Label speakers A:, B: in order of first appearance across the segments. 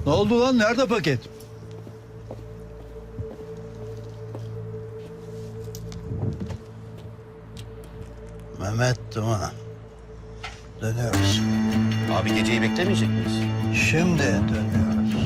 A: Ne oldu lan? Nerede paket? Mehmet Duman. Dönüyoruz.
B: Abi geceyi beklemeyecek miyiz?
A: Şimdi dönüyoruz.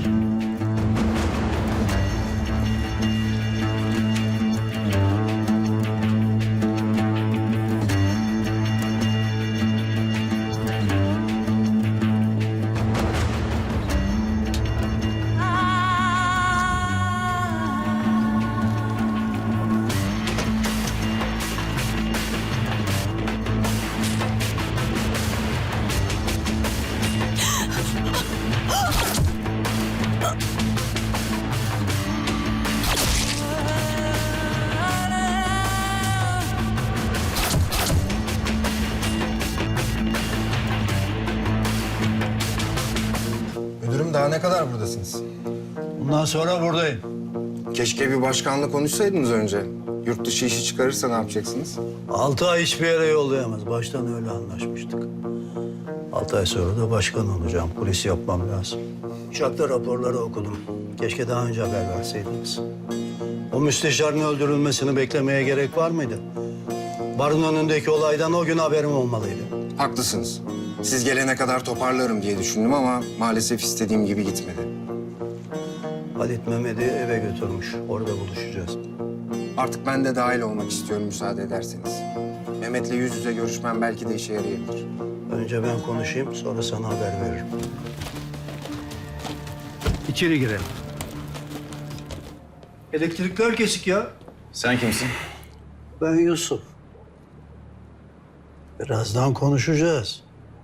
C: Müdürüm daha ne kadar buradasınız?
A: Bundan sonra buradayım.
C: Keşke bir başkanla konuşsaydınız önce. Yurt dışı işi çıkarırsa ne yapacaksınız?
A: 6 ay hiçbir yere yollayamaz. Baştan öyle anlaşmıştık. 6 ay sonra da başkan olacağım. Polis yapmam lazım. Uçakta raporları okudum. Keşke daha önce haber verseydiniz. O müsteşarın öldürülmesini beklemeye gerek var mıydı? Barın önündeki olaydan o gün haberim olmalıydı.
C: Haklısınız. Siz gelene kadar toparlarım diye düşündüm ama maalesef istediğim gibi gitmedi.
A: Halit Mehmet'i eve götürmüş. Orada buluşacağız.
C: Artık ben de dahil olmak istiyorum müsaade ederseniz. Mehmet'le yüz yüze görüşmem belki de işe yarayabilir.
A: Önce ben konuşayım, sonra sana haber veririm. İçeri girelim. Elektrikler kesik ya.
B: Sen kimsin?
A: Ben Yusuf. Birazdan konuşacağız.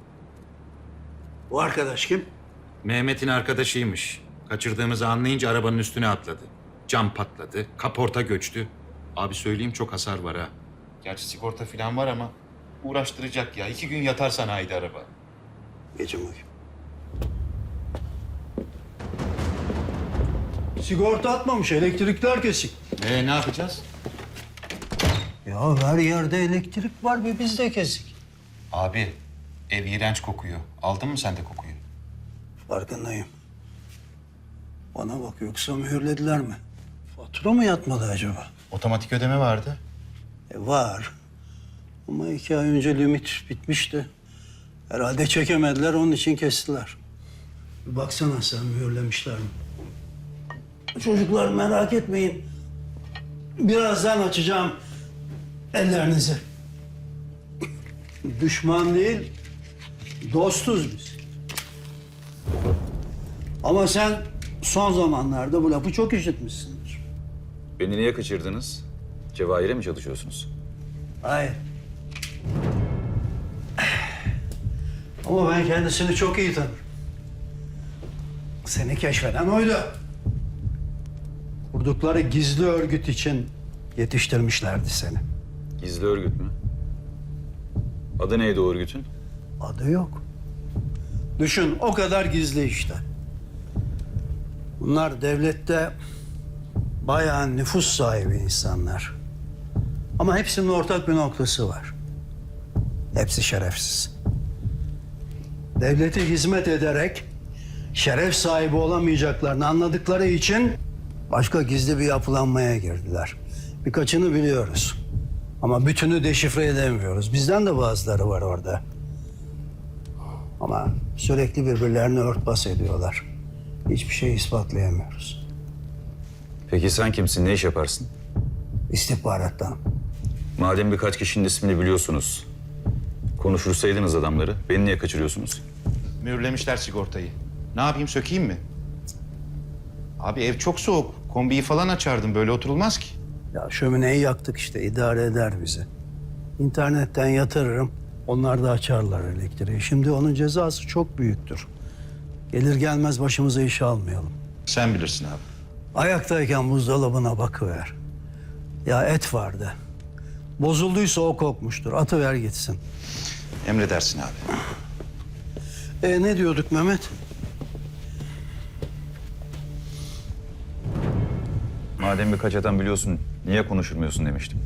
A: Bu arkadaş kim?
D: Mehmet'in arkadaşıymış. Kaçırdığımızı anlayınca arabanın üstüne atladı. Cam patladı, kaporta göçtü. Abi söyleyeyim çok hasar var ha. Gerçi sigorta falan var ama uğraştıracak ya. 2 gün yatar sanayide araba.
A: Geçin bakayım. Sigorta atmamış, elektrikler kesik.
D: Ne yapacağız?
A: Ya her yerde elektrik var ve bizde kesik.
D: Abi ev iğrenç kokuyor. Aldın mı sen de kokuyu?
A: Farkındayım. Bana bak, yoksa mühürlediler mi? Fatura mı yatmadı acaba?
D: Otomatik ödeme vardı.
A: Var. Ama 2 ay önce limit bitmişti. Herhalde çekemediler, onun için kestiler. Bir baksana sen, mühürlemişler mi? Çocuklar merak etmeyin. Birazdan açacağım ellerinizi. Düşman değil, dostuz biz. Ama sen son zamanlarda bu lafı çok işitmişsindir.
E: Beni niye kaçırdınız? Cevahir'e mi çalışıyorsunuz?
A: Hayır. Ama ben kendisini çok iyi tanırım. Seni keşfeden oydu. Kurdukları gizli örgüt için yetiştirmişlerdi seni.
E: Gizli örgüt mü? Adı neydi o örgütün?
A: Adı yok. Düşün, o kadar gizli işte. Bunlar devlette bayağı nüfus sahibi insanlar. Ama hepsinin ortak bir noktası var. Hepsi şerefsiz. Devlete hizmet ederek şeref sahibi olamayacaklarını anladıkları için başka gizli bir yapılanmaya girdiler. Birkaçını biliyoruz. Ama bütünü deşifre edemiyoruz. Bizden de bazıları var orada. Ama sürekli birbirlerini örtbas ediyorlar. Hiçbir şey ispatlayamıyoruz.
E: Peki sen kimsin? Ne iş yaparsın?
A: İstihbarattan.
E: Madem birkaç kişinin ismini biliyorsunuz, konuşursaydınız adamları, beni niye kaçırıyorsunuz?
D: Mühürlemişler sigortayı. Ne yapayım, sökeyim mi? Abi ev çok soğuk. Kombiyi falan açardım. Böyle oturulmaz ki.
A: Ya şömineyi yaktık işte, idare eder bizi. İnternetten yatırırım, onlar da açarlar elektriği. Şimdi onun cezası çok büyüktür. Gelir gelmez başımıza iş almayalım.
D: Sen bilirsin abi.
A: Ayaktayken buzdolabına bakıver. Ya et vardı. Bozulduysa o kokmuştur. Atıver gitsin.
D: Emredersin abi.
A: Ne diyorduk Mehmet?
E: Madem birkaç adam biliyorsun, niye konuşurmuyorsun demiştim.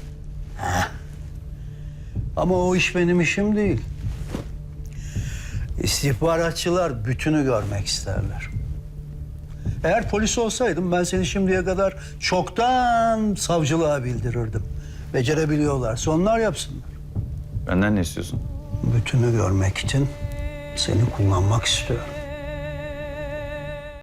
A: Ama o iş benim işim değil. İstihbaratçılar bütünü görmek isterler. Eğer polis olsaydım ben seni şimdiye kadar çoktan savcılığa bildirirdim. Becerebiliyorlarsa onlar yapsınlar.
E: Benden ne istiyorsun?
A: Bütünü görmek için seni kullanmak istiyorum.